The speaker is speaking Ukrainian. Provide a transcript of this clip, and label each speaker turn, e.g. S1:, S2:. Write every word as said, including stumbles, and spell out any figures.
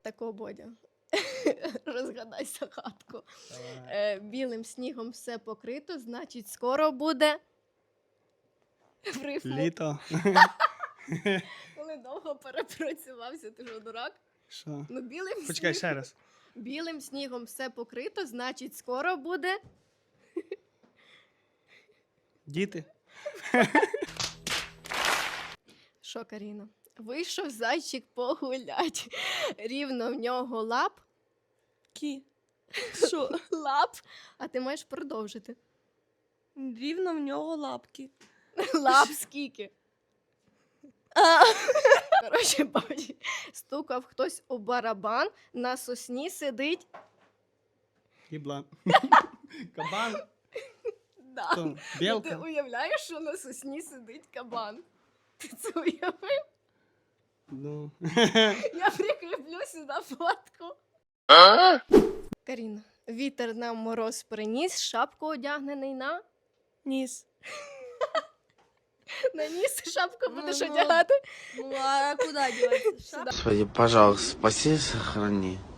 S1: Тако, Бодя. Розгадай загадку. Е, білим снігом все покрито, значить, скоро буде. В рифму.
S2: Літо.
S1: Коли довго перепрацювався, ти ж дурак?
S2: Що?
S1: Ну, білим
S2: Почекай
S1: снігом.
S2: ще раз.
S1: Білим снігом все покрито, значить, скоро буде.
S2: Діти.
S1: Що, Каріна? Вийшов зайчик погулять. Рівно в нього лап.
S3: Кі. Що?
S1: Лап. А ти маєш продовжити.
S3: Рівно в нього лапки.
S1: Лап скільки? Коротше, бачиш, стукав хтось у барабан, на сосні сидить.
S2: Їблан. Кабан.
S1: Да.
S2: Хто?
S1: Ну, ти
S2: Білка.
S1: уявляєш, що на сосні сидить кабан? Ти це уявив?
S2: Ну.
S1: Я прикріплю сюди фотку. Каріна, вітер нам мороз приніс, шапку одягнений на...
S3: Ніс.
S1: На ніс шапку будеш
S3: Ну, ну.
S1: одягати.
S3: Ну, а куди діватися?
S4: Господи, пожалуйста, спаси и сохрани.